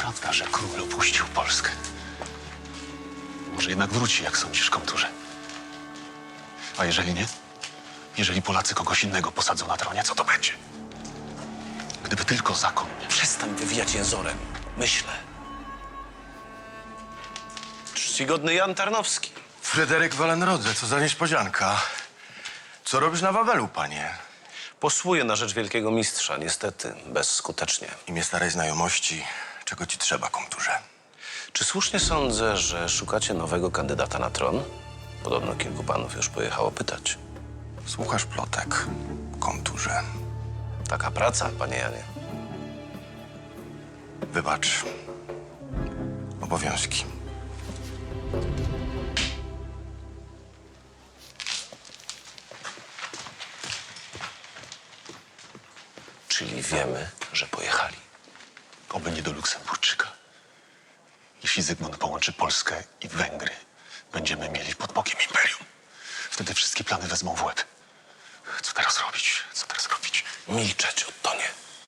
prawda, że król opuścił Polskę. Może jednak wróci, jak sądzisz, komturze? A jeżeli nie? Jeżeli Polacy kogoś innego posadzą na tronie, co to będzie? Gdyby tylko zakon... Przestań wywijać jęzorem. Myślę. Czcigodny Jan Tarnowski. Fryderyk Wallenrodze, co za niespodzianka. Co robisz na Wawelu, panie? Posłuję na rzecz wielkiego mistrza, niestety bezskutecznie. W imię starej znajomości, czego ci trzeba, komturze? Czy słusznie sądzę, że szukacie nowego kandydata na tron? Podobno kilku panów już pojechało pytać. Słuchasz plotek, komturze. Taka praca, panie Janie. Wybacz. Obowiązki. Czyli wiemy, że pojechali. Oby nie do Luksemburczyka. Jeśli Zygmunt połączy Polskę i Węgry, będziemy mieli pod bokiem imperium. Wtedy wszystkie plany wezmą w łeb. Co teraz robić? Co teraz robić? Milczeć,